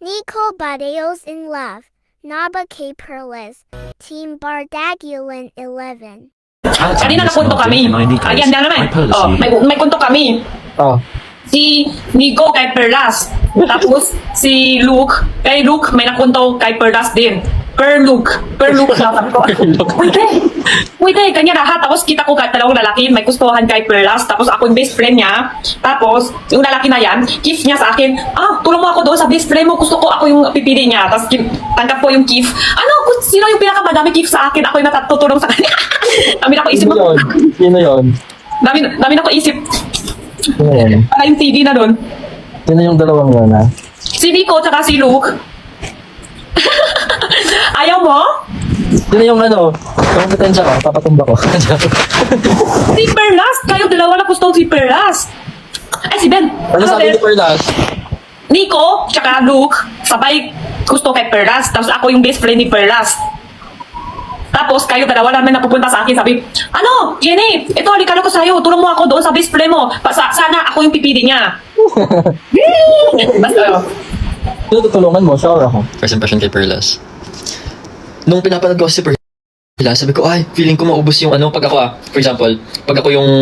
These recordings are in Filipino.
Nico Badeos in love. Naba K. Perles. Team Bardagulan 11. Kanina napunto kami. Ayan na naman. Oh, may punto kami. Oh. Si Nico kay Perlas. Tapos si Luke, kay Luke may napunto kay Perlas din. Per Luke sabi ko. Wait, kanya lahat. Tapos kita ko kahit dalawang lalaki, may gustuhan kay Perlas. Tapos ako yung best friend niya. Tapos yung lalaki na yan, gift niya sa akin, tulong mo ako doon sa best friend mo. Gusto ko ako yung pipili niya. Tapos tanggap ko yung gift. Sino yung pinakamadami gift sa akin? Ako yung natutulong sa kanya. Dami na ko isip. Sino yun? Dami na ko isip. Sino yun? Para yung TV na doon. Sino yung dalawang yun, ha? Si Nico tsaka si Luke. Ayaw mo? Sino yung kompetensya ko? Papatumba ko. Si Perlas! Kayo dalawa na gusto si Perlas. Ay, si Ben. Ano sabi ni Perlas? Nico, tsaka Luke, sabay gusto kay Perlas. Tapos ako yung best friend ni Perlas. Tapos kayo dalawa naman napupunta sa akin. Sabi, Jenny, ito, alikalo ko sa'yo. Tulong mo ako doon sa best friend mo. Sana ako yung pipili niya. Basta, Sino tutulungan mo? Siya or ako? First impression kay Perlas. Nung pinapanood ko si Perlas, sabi ko, feeling ko maubos yung pag ako for example, pag ako yung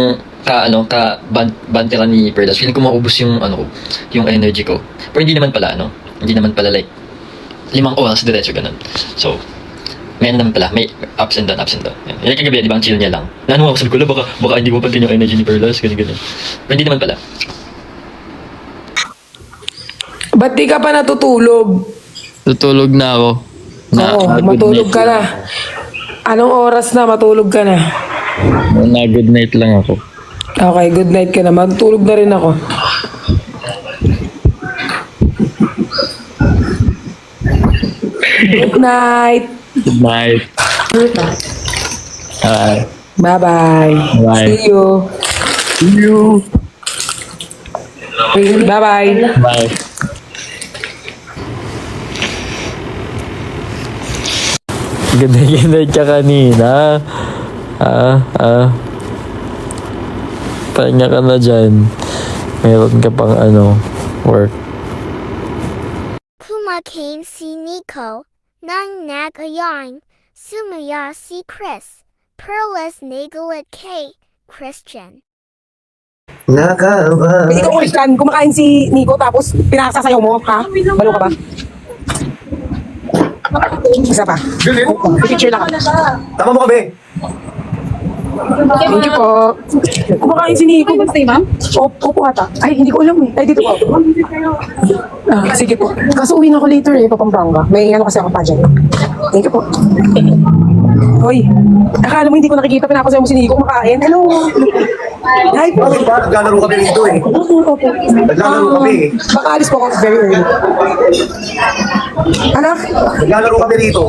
bantera ni Perlas, feeling ko maubos yung yung energy ko. Pero hindi naman pala, hindi naman pala like 5 oras diretso ganun. So, may naman pala, may ups and down. Yan. Yung kagabi, di ba, ang chill niya lang. Ako, sabi ko, baka hindi mo pantin yung energy ni Perlas, ganyan. Pero hindi naman pala. Ba't di ka pa natutulog? Tutulog na ako. Oo, matulog ka na. Anong oras na matulog ka na? Good night lang ako. Okay, good night ka na. Matulog na rin ako. Good night. Good night. Bye-bye. Bye. See you. Bye-bye. Bye. Ganda ka kanina. Pahinga ka na dyan. Meron ka pang work. Kumakain si Nico. Nang nagayon. Sumaya si Chris. Perles Nagalit K. Christian. Hindi ka Christian. Kumakain si Nico tapos pinasasayaw mo, ha? Balo ka ba? Isa pa. Picture lang. Tama mo kami. Thank you po. Kumakain si Nico. Stay, ma'am? Opo ata. Ay, hindi ko alam eh. Ay, dito po. Sige po. Kaso uwi na ako later eh, Papampanga. May kasi ako pa dyan. Thank you po. Hoy, akala mo hindi ko nakikita, pinapasayaw mo si Nico kumakain. Hello. Hi po. Bakit ba? Naglalaro kami rito eh. Opo. Naglalaro kami eh. Baka alis po ako very early. Anak? Naglalaro kami rito.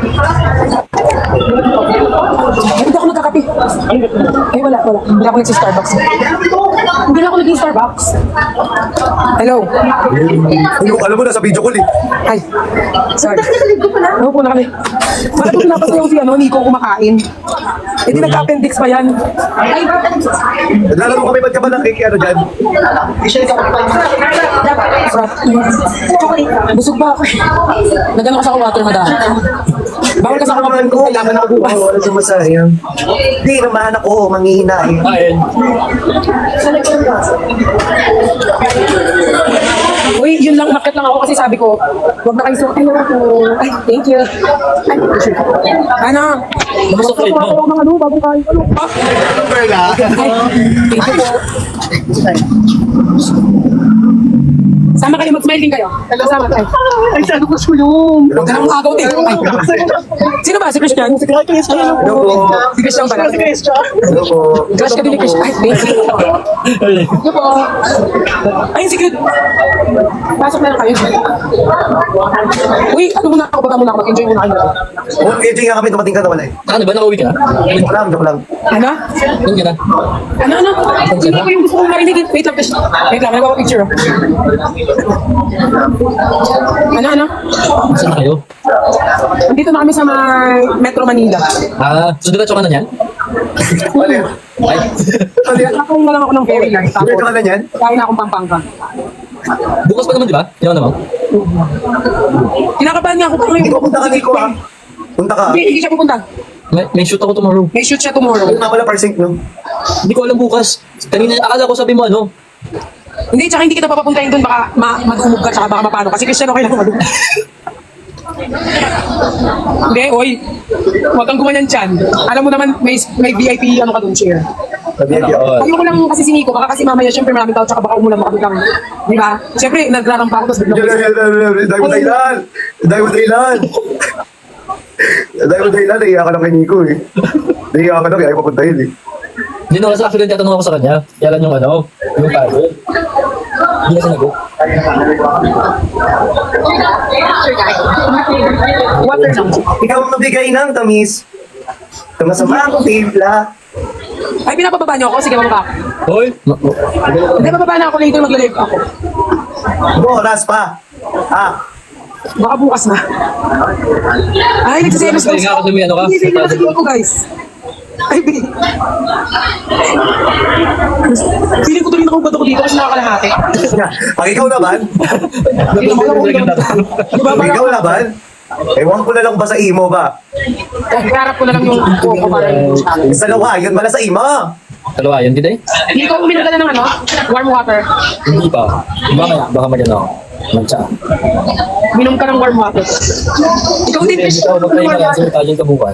Hindi ako nagkakape. Ay, wala. Hindi ako nagsi-Starbucks. Hindi na ako nagsi-Starbucks. Hello? Hindi ko alam mo, nasa video call eh. Ay. Sorry. Ano po na kami? Bakit po pinapasayaw si Nico kumakain? Eh, di nagka-appendix pa yan. Ay, Naglalaro kami, ba't ka ba dyan? busog ba ako? Nagano ka sa water, madam. Bawal ka sa Kailangan ko. kailangan ako bukas. Wala sa masaya. Hindi, naman ako, manghihina eh. Uy, yun lang, nakit lang ako kasi sabi ko, huwag na kayo suot. Ay, thank you. Ay, sure. Ano? Nakasuklit mo. Ako mga bago kayo. Ay, thank you po. Sama kayo, mag-smile din kayo. Sama kayo. Ay, saan ko sulong? Huwag ka nang agaw din. Ay, sino ba? Si Christian? Si Christian. Si Christian ba? Si Christian. Crush ka din ni Christian. Ay, thank you. Thank you po. Ay, sige. Pasok na lang kayo. Uy, ano muna ako? Baka muna ako. Mag-enjoy muna kayo. Oh, enjoy nga kami, dumating ka na wala eh. Ano ba? Nakauwi ka na? Joke lang. Ano? Doon ka na? Ano? Sino ko yung gusto kong marinig? Wait lang, Christian. Wait lang, nagpapapicture. Ano? Saan kayo? Dito na kami sa Metro Manila. So diretso ka na yan? Ay. Nakakuha na lang ako ng ferry line. Tapos, Enjoy ka na yan? kaya na akong Pampanga. Bukas pa naman, di ba? Yan naman. Kinakabahan nga ako kung Hindi ko punta ka, Nico, ha? Punta ka. Hindi siya pupunta. May shoot ako tomorrow. May shoot siya tomorrow. Ano nga pala, parsing, no? Hindi ko alam bukas. Kanina, akala ko sabi mo ano. Hindi, tsaka hindi kita papapuntahin doon, baka madumog ka, tsaka baka mapano. Kasi Cristiano kailangan madumog. Hindi, oy. Huwag kang gumanyan dyan. Alam mo naman, may VIP ano ka doon, share. Ayoko lang kasi si Nico, baka kasi mamaya syempre maraming tao, tsaka baka umulan makabiglang. Di ba? Syempre, naglarampa ako, tapos biglang. Dahil mo dahilan! Dahil mo dahilan! Dahil mo dahilan, naiiyak ka lang kay Nico, eh. Naiiyak ka lang, ayaw papuntahin, eh. Hindi na kasi actually tatanong ako sa kanya. Kaya lang yung ano, yung tayo. Hindi na sinagot. Water lang. Ikaw ang nabigay ng tamis. Sa masama akong timpla. Ay, pinapababa niyo ako? Sige, bababa ako. Hoy! Hindi, bababa na ako later, magla-live ako. Oras pa. Baka bukas na. Ay, nagsiselos Galing nga ako dumi, ano ka? Hindi, hindi na ko, guys. Ay, babe. Feeling ko tuloy nakaubat ako dito kasi nakakalahati. Pag ikaw naman, Hindi naman ako ulit. Di ba, pag ikaw parang naman, ewan ko na lang ba sa imo ba? iharap ko na lang yung buko para yung challenge. Sa lawa, yun pala sa imo. Dalawa, yun kita eh. Hindi ko uminom ka na ng ano? Warm water. Hindi pa. Baka maganda ako. Magtsa. Minom ka ng warm water. Ikaw din, Chris. Ikaw, magtayo ka Warm lang. water. Sige ka bukas.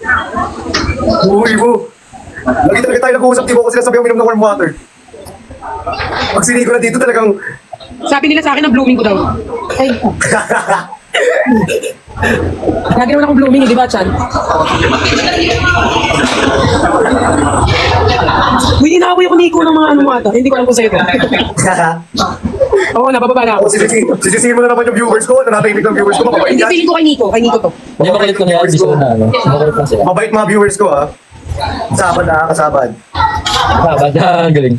Uy mo. Lagi talaga tayo nag-uusap, di ko kasi sinasabi ang minom ng warm water. Pag siniko na dito talagang... Sabi nila sa akin na blooming ko daw. Ay, lagi naman akong blooming, di ba, Chan? Uy, inaaway ako Nico ng mga ano ata. Hindi ko alam kung sa'yo to. Oo, nabababa na ako. Sisisihin mo na naman yung viewers ko. Nanatahimik ng viewers ko. Mabait Hindi, yan. feeling ko kay Nico. Kay Nico to. Hindi makulit ko na yan. Hindi sila na ano. Makulit lang sila. Mabait mga viewers ko, ha. Kasabad na, kasabad. Sabad na. Galing.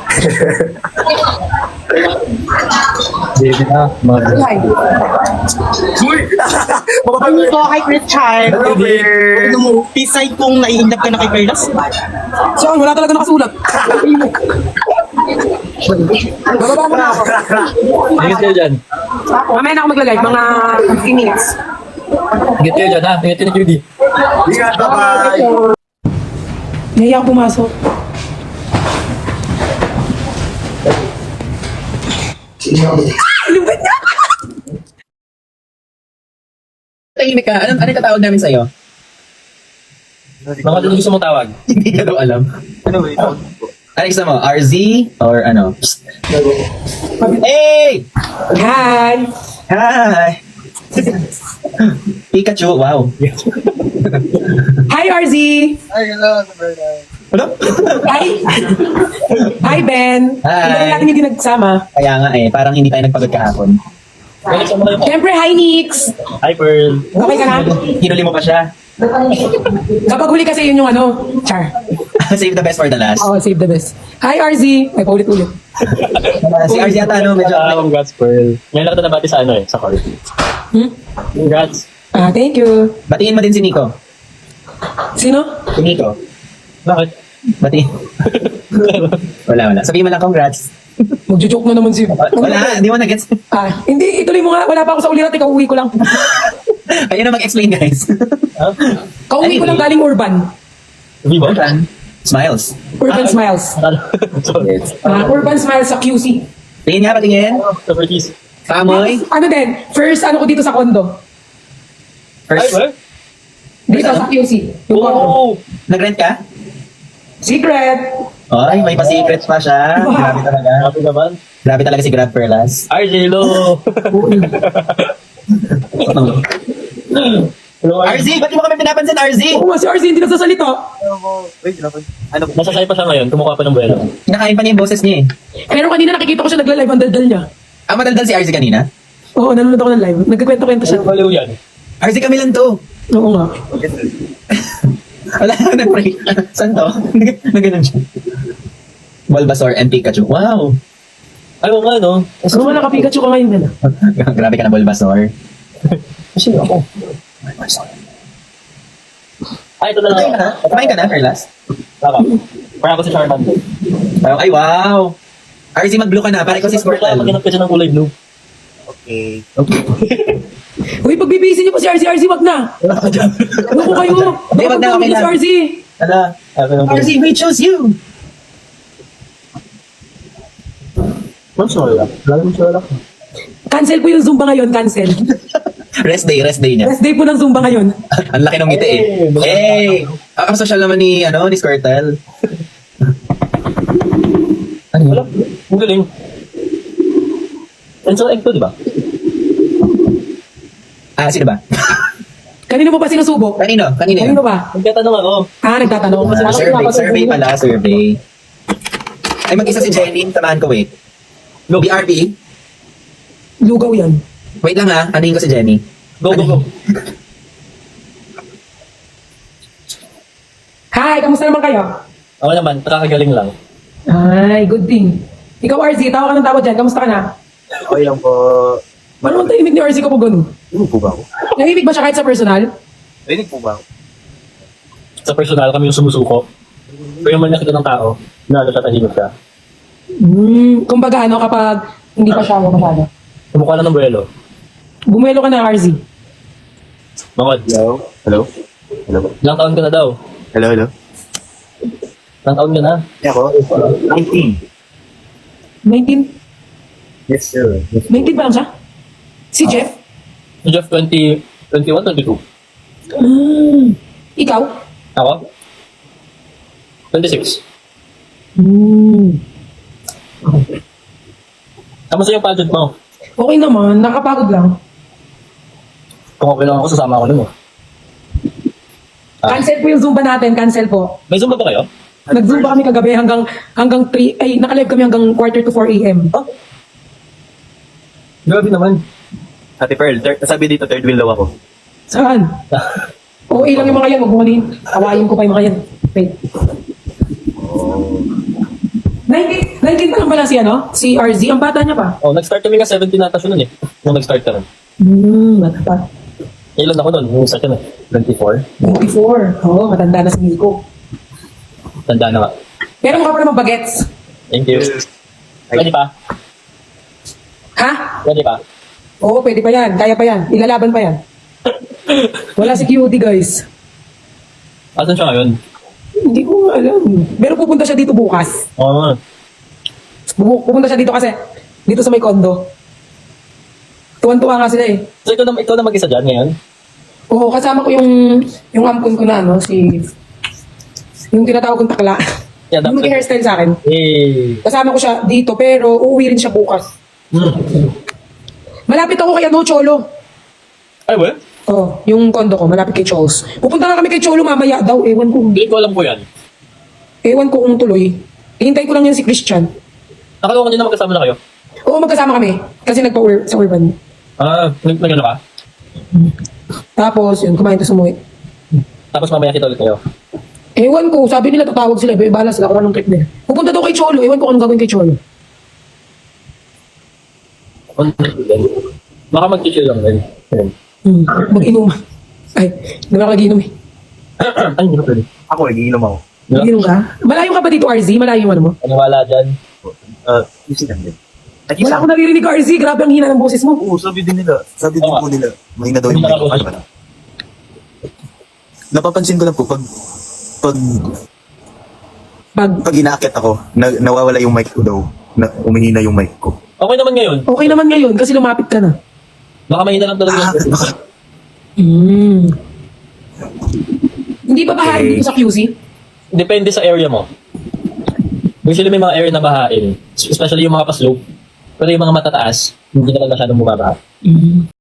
Baby na. Mga Ay. Uy! Mababait. Ito kay Richard. Hello, babe. Ano mo, pisay kung naiindap ka na kay Carlos. Saan? Wala talaga nakasulat. Bababa mo na ako. Ingat kayo dyan. Mamaya na ako magla-live. Mga 15 minutes. Ingat kayo dyan ha. Ingat kayo ni Judy. Ingat, bye-bye. Nahiya ako pumasok. Lupit niya! Tahimik ka. Ano tatawag namin sa'yo? Mga gusto mong tawag. Hindi ka daw alam. Ano ba ito? Ano gusto mo? RZ? Or ano? Psst. Hey! Hi! Hi! Pikachu, wow. Hi, RZ! Ano? Hi! Hi, Ben! Hi. Hindi na natin hindi nagsama. Kaya nga parang hindi tayo nagpagod kahapon. Siyempre, hi, Nix! Hi, Pearl. Okay ka na? Hinuli mo pa siya. Kapag huli kasi yun yung ano, Char. Save the best for the last. Oh, save the best. Hi, RZ! Ay, paulit-ulit. Si RZ yata, no? Medyo... Congrats, Pearl. Ngayon lang kita nabati sa ano eh, sa court. Congrats. Thank you. Batiin mo din si Nico. Sino? Si Nico. Bakit? Batiin. Wala. Sabihin mo lang congrats. Magjo-joke na naman si... Wala, hindi mo na-gets. Hindi, ituloy mo nga. Wala pa ako sa ulirat. Ikaw, uwi ko lang. Kayo na mag-explain, guys. Kauwi ko lang galing Urban. Vivo? Smiles. Urban Smiles. Sorry. Urban Smiles sa QC. Tingin nga, patingin. Properties. Pamoy. Ano din? First, ano ko dito sa condo. First, Dito sa QC. Yung condo. Oh! nag-rent ka? Secret! Ay, may pa-secret pa siya. Grabe talaga. Happy naman. Grabe talaga si Grab Perlas. RJ Lo! Hello, RZ, ba't di mo kami pinapansin, RZ? Oo nga, si RZ hindi nagsasalita. Nasa sa'yo pa siya ngayon, kumukuha pa ng buwelo. Kinakain pa niya yung boses niya eh. Pero kanina nakikita ko siya nagla-live ang daldal niya. Madaldal si RZ kanina? Oo, nanonood ako ng live. Nagkikwento-kwento siya. Baliw yan. RZ kami lang to. Oo nga. Wala, nag-pray. Saan to? Naganon siya. Bulbasaur and Pikachu. Wow! Ay, oo nga, no? Ano nga naka-Pikachu ka ngayon na? Grabe ka na, Bulbasaur. Kasi ako. Ay, ito na lang. Kumain ka na, Perlas? Baka. Parang ako si Charmander. Ay, wow! RZ, mag-blue ka na. Para ikaw si Squirtle. Maghanap ka siya ng kulay blue. Uy, pagbibisi niyo po si RC, wag na. Ano ko kayo? Hindi, wag na, okay Si lang. RC. Ala, RC, we chose you! Cancel po yung Zumba ngayon, cancel. Rest day niya. Last day po ng Zumba ngayon. Ang laki ng ngiti eh. Hey! Ang social naman ni Squirtle. Ano yun? Ang galing. Enzo Egg to, di ba? Ah, sino ba? Kanino mo ba sinusubok? Kanino Kanino yun? ba? Nagtatanong ako. Nagtatanong. Survey pala, survey. Ay, mag-isa si Jenny. Tamahan ko, wait. BRP? Lugaw yan. Wait lang ha, anuhin ko si Jenny. Go. Hi, kamusta naman kayo? Ako naman, nakakagaling lang. Ay, good thing. Ikaw, RC, tawa ka ng tawa dyan. Kamusta ka na? Okay lang po. Paano ang tahimik ni RC ko po ganun? Rinig po ba ako? Nahimik ba siya kahit sa personal? Rinig po ba ako? Sa personal, kami yung sumusuko. Pero yung nakita ng tao, na siya tahimik ka. Kumbaga ano kapag hindi pa siya masyado. Kumukha lang ng buwelo. Bumuelo ka na, RC. Mangod, Hello? ilang taon ka na daw? Hello? Ilang taon ka na? Ako? 19. 19? Yes, sir. 19 pa lang siya? Si Jeff? Si Jeff, 21, 22. Ikaw? Ako? 26. Kamusta yung pageant mo? Okay naman, nakapagod lang. Kung okay lang ako, sasama ako nun eh. Cancel po yung Zumba natin, cancel po. May Zumba ba kayo? Nag-Zumba kami kagabi hanggang 3, ay nakalive kami hanggang quarter to 4 a.m. Grabe naman. Ate Pearl, sabi dito third wheel daw ako. Saan? Okay lang yung mga yan, magbuhalin. Tawayin ko pa yung mga yan. Wait. 19 pa lang pala si RZ. Ang bata niya pa. Oh, nag-start kami ka 17 natas yun nun eh. Nung nag-start ka rin. Bata pa. Ilan ako nun? Nung start kami? 24? 24. Oo, matanda na si Nico. Tanda na nga. Pero mukha pa naman bagets. Thank you. Pwede pa? Ha? Pwede pa? Oo, pwede pa yan. Kaya pa yan. Ilalaban pa yan. Wala si QD, guys. Asan siya ngayon? Hindi ko alam. Pero pupunta siya dito bukas. Oo. Pupunta siya dito kasi dito sa may kondo. Tuwan-tuwa nga sila eh. So ikaw na mag-isa dyan ngayon? Oo, kasama ko yung ampun ko na, no? Yung tinatawag kong takla. Yeah, Yung mag-hairstyle sa akin. Eh. Kasama ko siya dito, pero uuwi rin siya bukas. Malapit ako kay Cholo. Ay, well? Oh, yung kondo ko, malapit kay Chols. Pupunta nga kami kay Cholo mamaya daw. Ewan ko. Hindi ko alam po yan. Ewan ko kung tuloy. Hintay ko lang yan si Christian. Akala ko kanina magkasama na kayo. Oo, magkasama kami. Kasi sa urban. Ah, nag-ano ka? Tapos, yun, kumain to sumuwi. Tapos mamaya kita ulit kayo. Ewan ko, sabi nila tatawag sila. Bahala sila kung anong trip nila. Pupunta daw kay Cholo. Ewan ko anong gagawin kay Cholo. Baka mag-chill lang din. Ayun. Mag-inom. Ay, hindi na mag-inom eh. Ay, hindi na pwede. Ako, nagiinom ako. Mag-inom ka? Malayo ka ba dito, RZ? Malayo yung ano mo? Paniwala dyan. Easy lang din. Wala akong naririnig, RZ. Grabe ang hina ng boses mo. Oo, sabi din nila. Sabi din Oo. po nila. Mahina daw yung Hindi mic ko. nakaboses. Napapansin ko lang po, Pag pag inaakit ako, nawawala yung mic ko daw. Umihina yung mic ko. Okay naman ngayon. okay naman ngayon kasi lumapit ka na. Baka mahina lang talaga. Baka, Hindi ba bahain dito sa QC? Depende sa area mo. Usually may mga area na bahain. Especially yung mga pa-slope. Pero yung mga matataas, hindi naman masyadong bumabaha.